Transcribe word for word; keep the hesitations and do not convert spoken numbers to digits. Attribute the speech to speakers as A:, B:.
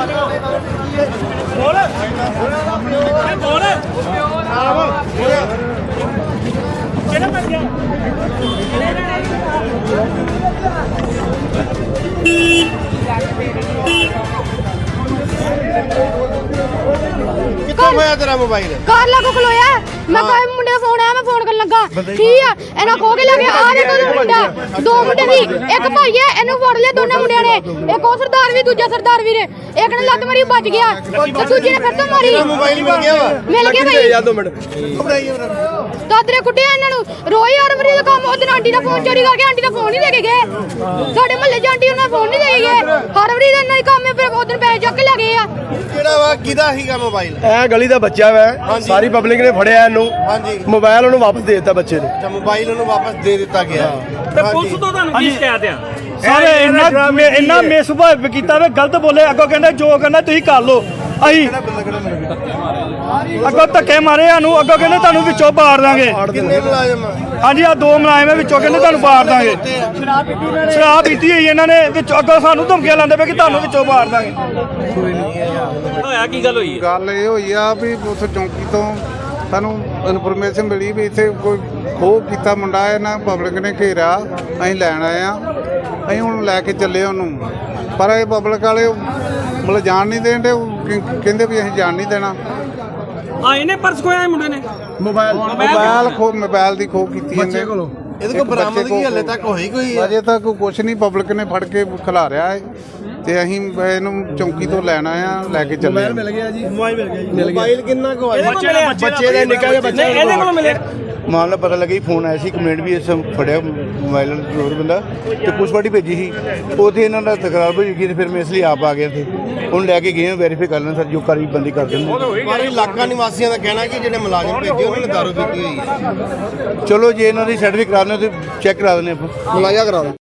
A: ਕਿੱਥੋਂ ਹੋਇਆ ਤੇਰਾ ਮੋਬਾਈਲ?
B: ਕਾਰ ਲਾਗੋ ਖਲੋਇਆ ਮੈਂ ਕੋਈ ਮੁੰਡੇ ਦਾ ਫੋਨ ਆਇਆ ਮੈਂ ਫੋਨ ਕਰਨ ਲੱਗਾ ਠੀਕ ਆ ਇਹਨਾਂ ਖੋ ਕੇ ਲੱਗੇ ਆ ਦੇਖੋ ਦੋ ਮੁੰਡਾ ਦੋ ਮੁੰਡੇ ਸੀ ਇੱਕ ਭਾਈ ਹੈ ਇਹਨੂੰ ਫੜ ਲਿਆ ਦੋਨੇ ਮੁੰਡਿਆਂ ਨੇ ਇੱਕ ਉਹ ਸਰਦਾਰ ਵੀ ਦੂਜਾ ਸਰਦਾਰ ਵੀਰ ਇੱਕ ਨੇ ਲੱਤ ਮਾਰੀ ਬਚ ਗਿਆ ਤੇ ਦੂਜੇ ਨੇ ਫਿਰ ਤੋਂ ਮਾਰੀ
A: ਮੋਬਾਈਲ ਮਿਲ ਗਿਆ ਵਾ
B: ਮਿਲ ਗਿਆ ਭਾਈ
A: ਯਾਰ ਦੋ ਮਿੰਟ ਘਬਰਾਈ
B: ਦਾਦਰੇ ਕੁੱਟਿਆ ਇਹਨਾਂ ਨੂੰ ਰੋਈ ਹਰ ਵਾਰੀ ਦਾ ਕੰਮ ਉਹ ਦਿਨ ਆਂਟੀ ਦਾ ਫੋਨ ਚੋਰੀ ਕਰਕੇ ਆਂਟੀ ਦਾ ਫੋਨ ਨਹੀਂ ਦੇ ਕੇ ਗਏ ਸਾਡੇ ਮਹੱਲੇ ਚ ਆਂਟੀ ਉਹਨਾਂ ਫੋਨ ਨਹੀਂ ਦੇ ਕੇ ਗਏ ਹਰ ਵਾਰੀ ਦਾ ਇਹਨਾਂ ਦੀ ਕੰਮ ਹੈ ਫਿਰ ਉਹ ਦਿਨ ਪੈਸੇ ਚੱਕ ਕੇ ਲੈ ਗਏ ਆ
A: ਕਿਹੜਾ ਵਾ ਕਿਹਦਾ ਸੀਗਾ ਮੋਬਾਈਲ?
C: ਇਹ ਗਲੀ ਦਾ ਬੱਚਾ ਵਾ ਸਾਰੀ ਪਬਲਿਕ ਨੇ ਫੜਿਆ ਇਹਨੂੰ
A: ਹਾਂਜੀ
C: ਮੋਬਾਈਲ ਉਹਨੂੰ ਵਾਪਸ ਦੇ ਦਿੱਤਾ ਬੱਚੇ ਨੂੰ
A: ਅੱਛਾ ਮੋਬਾਈਲ ਉਹਨੂੰ ਵਾਪਸ ਦੇ ਦਿੱਤਾ ਗਿਆ
D: ਤੇ ਪੁਲਿਸ ਤੋਂ ਤੁਹਾਨੂੰ ਕੀ ਸ਼ਿਕਾਇਤ ਆ?
E: ਸਾਰੇ ਇੰਨਾ ਇੰਨਾ ਮਿਸਭਾਵ ਕੀਤਾ ਵੇ ਗਲਤ ਬੋਲੇ ਅੱਗੋਂ ਕਹਿੰਦੇ ਜੋ ਕਰਨਾ ਤੁਸੀਂ ਕਰ ਲਓ ਅਸੀਂ ਅੱਗੋਂ ਧੱਕੇ ਮਾਰੇ ਸਾਨੂੰ ਅੱਗੋਂ ਕਹਿੰਦੇ ਤੁਹਾਨੂੰ ਵਿੱਚੋਂ ਬਾੜ ਦਾਂਗੇ
A: ਕਿੰਨੇ ਮੁਲਾਜ਼ਮ?
E: ਹਾਂਜੀ ਆ ਦੋ ਮੁਲਾਜ਼ਮ ਹੈ ਵਿੱਚੋਂ ਕਹਿੰਦੇ ਤੁਹਾਨੂੰ ਬਾੜ ਦਾਂਗੇ ਸ਼ਰਾਬ ਪੀਤੀ ਹੋਈ ਇਹਨਾਂ ਨੇ ਵਿੱਚੋਂ ਅੱਗੋਂ ਸਾਨੂੰ ਧਮਕੀਆਂ ਲਾਉਂਦੇ ਪਏ ਕਿ ਤੁਹਾਨੂੰ ਵਿੱਚੋਂ ਬਾੜ ਦਾਂਗੇ
D: ਹੋਇਆ ਕੀ ਗੱਲ ਹੋਈ?
F: ਗੱਲ ਇਹ ਹੋਈ ਆ ਵੀ ਉਸ ਚੌਂਕੀ ਤੋਂ ਸਾਨੂੰ ਇਨਫੋਰਮੇਸ਼ਨ ਮਿਲੀ ਵੀ ਇੱਥੇ ਕੋਈ ਖੋਹ ਕੀਤਾ ਮੁੰਡਾ ਇਹਨਾਂ ਪਬਲਿਕ ਨੇ ਘੇਰਿਆ ਅਸੀਂ ਲੈਣ ਆਏ ਆ ਅਸੀਂ ਹੁਣ ਲੈ ਕੇ ਚੱਲੇ ਉਹਨੂੰ ਪਰ ਇਹ ਪਬਲਿਕ ਵਾਲੇ ਮਤਲਬ ਜਾਣ ਨਹੀਂ ਦੇਣ ਦੇ ਕਹਿੰਦੇ ਵੀ ਅਸੀਂ ਜਾਣ ਨਹੀਂ ਦੇਣਾ
D: ਆ ਇਹਨੇ ਪਰਸ ਖੋਇਆ ਮੁੰਡੇ ਨੇ
C: ਮੋਬਾਈਲ
F: ਮੋਬਾਈਲ ਖੋ ਮੋਬਾਈਲ ਦੀ ਖੋਹ ਕੀਤੀ
C: ਬੱਚੇ ਕੋਲੋਂ
A: ਇਹਦੇ ਕੋਲ ਬਰਾਮਦਗੀ ਹਲੇ ਤੱਕ ਹੋਈ ਕੋਈ?
F: ਅਜੇ ਤੱਕ ਕੁਝ ਨਹੀਂ ਪਬਲਿਕ ਨੇ ਫੜ ਕੇ ਖਿਲਾਰਿਆ ਹੈ ਤੇ ਅਸੀਂ ਇਹਨੂੰ ਚੌਂਕੀ ਤੋਂ ਲੈਣ ਆਏ ਆ ਲੈ ਕੇ ਚੱਲੇ
C: ਮਿਲ ਗਿਆ ਜੀ
E: ਮੋਬਾਈਲ ਮਿਲ ਗਿਆ ਜੀ
A: ਮੋਬਾਈਲ ਕਿੰਨਾ ਕੁ ਆਇਆ?
C: ਬੱਚੇ ਦਾ ਨਿੱਕਾ ਜਿਹਾ ਬੱਚਾ
D: ਇਹਦੇ ਕੋਲੋਂ ਮਿਲਿਆ
C: ਮਾਮਲਾ ਪਤਾ ਲੱਗਾ ਫੋਨ ਆਇਆ ਸੀ ਕੰਪਲੇਂਟ ਵੀ ਇਸ ਫੜਿਆ ਮੋਬਾਈਲ ਚੋਰ ਬੰਦਾ ਤੇ ਪੁਲਿਸ ਪਾਰਟੀ ਭੇਜੀ ਸੀ ਉੱਥੇ ਇਹਨਾਂ ਦਾ ਤਕਰਾਰ ਹੋਈ ਗਈ ਤੇ ਫਿਰ ਮੈਂ ਇਸ ਲਈ ਆਪ ਆ ਗਿਆ ਸੀ ਹੁਣ ਲੈ ਕੇ ਗਏ ਵੈਰੀਫਾਈ ਕਰ ਲੈਣ ਸਰ ਜੋ ਕਾਰਵਾਈ ਬੰਦੀ ਕਰ ਦਿੰਦੇ
A: ਪਰ ਇਲਾਕਾ ਨਿਵਾਸੀਆਂ ਦਾ ਕਹਿਣਾ ਕਿ ਜਿਹੜੇ ਮੁਲਾਜ਼ਮ ਭੇਜੇ ਉਹਨਾਂ ਨੇ ਦਾਰੂ ਪੀਤੀ ਹੋਈ ਹੈ।
C: ਚਲੋ ਜੇ ਇਹਨਾਂ ਦੀ ਸਰਟੀਫਿਕੇਟ ਕਰਾਉਣੇ ਤੇ ਚੈੱਕ ਕਰਾ ਦਿੰਦੇ ਆਪਾਂ
A: ਮੁਲਾਜ਼ਾ ਕਰਾ